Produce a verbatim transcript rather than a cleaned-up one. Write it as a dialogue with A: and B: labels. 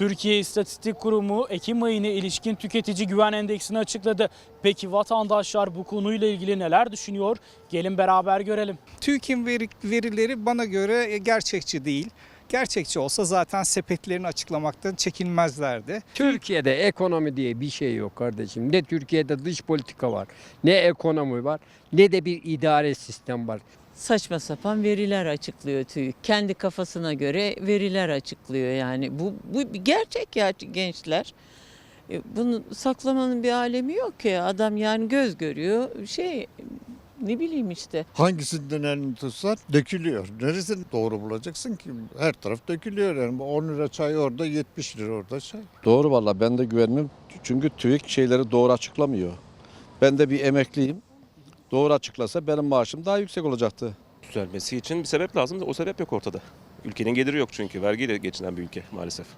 A: Türkiye İstatistik Kurumu Ekim ayına ilişkin tüketici güven endeksini açıkladı. Peki vatandaşlar bu konuyla ilgili neler düşünüyor? Gelin beraber görelim.
B: TÜİK'in veri, verileri bana göre gerçekçi değil. Gerçekçi olsa zaten sepetlerini açıklamaktan çekinmezlerdi.
C: Türkiye'de ekonomi diye bir şey yok kardeşim. Ne Türkiye'de dış politika var, ne ekonomi var, ne de bir idare sistem var.
D: Saçma sapan veriler açıklıyor TÜİK. Kendi kafasına göre veriler açıklıyor yani. Bu, bu bir gerçek ya gençler. E, Bunu saklamanın bir alemi yok ki. Adam yani göz görüyor. Şey ne bileyim işte.
E: Hangisinden elini tutsan dökülüyor. Neresini doğru bulacaksın ki? Her taraf dökülüyor yani. on lira çay orada, yetmiş lira orada çay.
F: Doğru valla ben de güvenmem. Çünkü TÜİK şeyleri doğru açıklamıyor. Ben de bir emekliyim. Doğru açıklasa benim maaşım daha yüksek olacaktı.
G: Düzelmesi için bir sebep lazım da o sebep yok ortada. Ülkenin geliri yok çünkü vergiyle geçinen bir ülke maalesef.